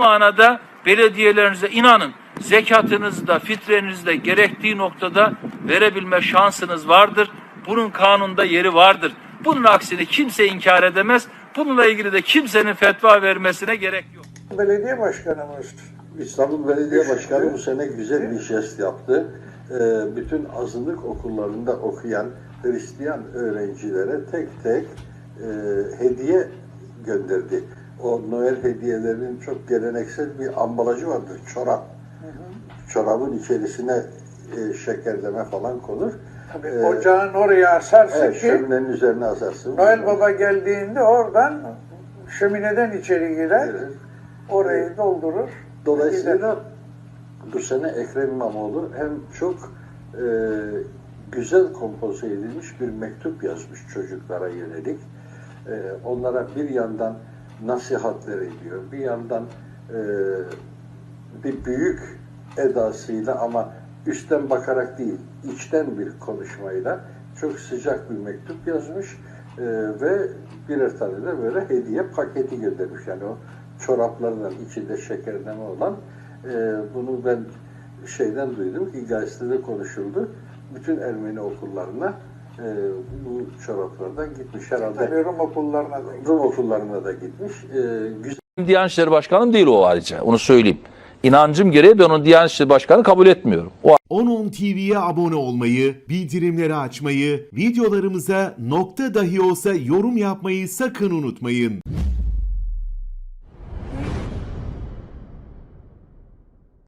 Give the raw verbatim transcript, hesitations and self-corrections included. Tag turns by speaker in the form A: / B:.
A: manada belediyelerinize inanın, zekatınızı da fitrenizi de gerektiği noktada verebilme şansınız vardır. Bunun kanunda yeri vardır. Bunun aksini kimse inkar edemez. Bununla ilgili de kimsenin fetva vermesine gerek yok.
B: Belediye başkanımız
C: İstanbul Belediye Başkanı bu sene güzel bir jest yaptı. Ee, bütün azınlık okullarında okuyan Hristiyan öğrencilere tek tek e, hediye gönderdi. O Noel hediyelerinin çok geleneksel bir ambalajı vardır, çorap. Hı hı. Çorabın içerisine e, şekerleme falan konur.
B: Tabii ee, ocağın oraya asarsın
C: evet,
B: ki
C: şöminenin üzerine asarsın.
B: Noel Baba geldiğinde oradan şömineden içeri girer, evet. Orayı evet. doldurur.
C: Dolayısıyla gider. Bu sene Ekrem İmamoğlu hem çok e, güzel kompoze edilmiş bir mektup yazmış çocuklara yönelik. E, onlara bir yandan nasihatler ediyor, bir yandan e, bir büyük edasıyla ama üstten bakarak değil, içten bir konuşmayla çok sıcak bir mektup yazmış e, ve birer tane de böyle hediye paketi göndermiş. Yani o çoraplarından içinde şekerleme olan e, bunu ben şeyden duydum ki gazetede konuşuldu. Bütün Ermeni okullarına e, bu çoraplardan gitmiş herhalde.
B: Tabii Rum okullarına da
C: Rum okullarına da gitmiş. E, güzel.
D: Diyanet İşleri Başkanım değil o ayrıca. Onu söyleyeyim. İnancım gereği ben onu Diyanet İşleri Başkanı kabul etmiyorum. O
E: on on T V'ye abone olmayı, bildirimleri açmayı, videolarımıza nokta dahi olsa yorum yapmayı sakın unutmayın.